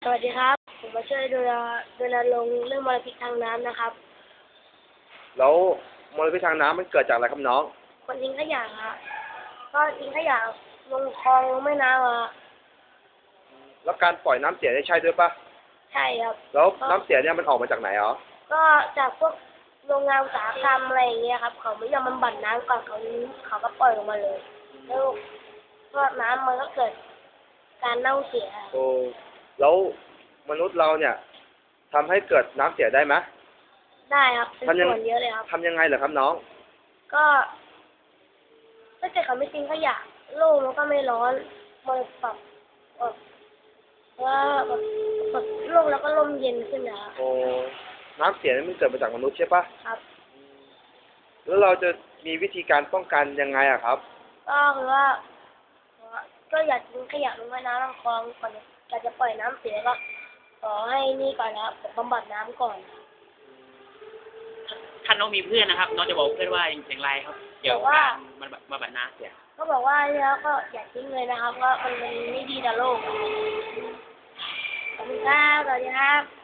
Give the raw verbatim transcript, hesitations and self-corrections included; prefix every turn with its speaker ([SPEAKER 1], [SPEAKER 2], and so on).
[SPEAKER 1] สวัสดีครับผมมาช่วยดูแลดูแลลงค์เรื่องมลพิษทางน้ำนะครับ
[SPEAKER 2] แล้วมลพิษทางน้ำมันเกิดจากอะไรครับน้อง
[SPEAKER 1] คนทิ้งขยะครับก็ทิ้งขยะลงคลองลงแม่น้ำอะ
[SPEAKER 2] แล้วการปล่อยน้ำเสียได้ใช่ด้วยปะ
[SPEAKER 1] ใช่ครับ
[SPEAKER 2] แล้วน้ำเสียเนี่ยมันออกมาจากไหนอ๋อ
[SPEAKER 1] ก็จากพวกโรงงานอุตสาหกรรมอะไรอย่างเงี้ยครับเขาไม่ยอมบำบัดน้ำก่อนเขาเขาก็ปล่อยลงมาเลยแล้วก็น้ำมันก็เกิดการเน่าเสีย
[SPEAKER 2] โอ้แล้วมนุษย์เราเนี่ยทำให้เกิดน้ำเสียได้ไหม
[SPEAKER 1] ได้ครับเป็นส่วนเยอะเลยครับ
[SPEAKER 2] ทำยังไงเหรอครับน้อง
[SPEAKER 1] ก็ถ้าเกิดเขาไม่ทิ้งขยะโลกมันก็ไม่ร้อนมันปรับว่าแบบแบบโลกแล้วก็ร่มเย็นขึ้นนะ
[SPEAKER 2] โอ้น้ำเสียนี่มันเกิดมาจากมนุษย์ใช่ปะ
[SPEAKER 1] ครับ
[SPEAKER 2] แล้วเราจะมีวิธีการป้องกันยังไงอะครับ
[SPEAKER 1] ก็คือว่าก็อย่าทิ้งขยะลงแม่น้ำลำคลองก่อนอยากจะปล่อยน้ำเสียก็ขอให้นี่ก่อนนะครับบำบัดน้ำก่อน
[SPEAKER 3] ถ้าน้องมีเพื่อนนะครับน้องจะบอกเพื่อนว่าอย่างไรครับเกี่ยวกับการมันมาบัดน้ำเสีย
[SPEAKER 1] ก็บอกว่าแล้วก็อย่าทิ้งเลยนะครับว่ามันไม่ดีต่อโลกขอบคุณครับสวัสดีครับ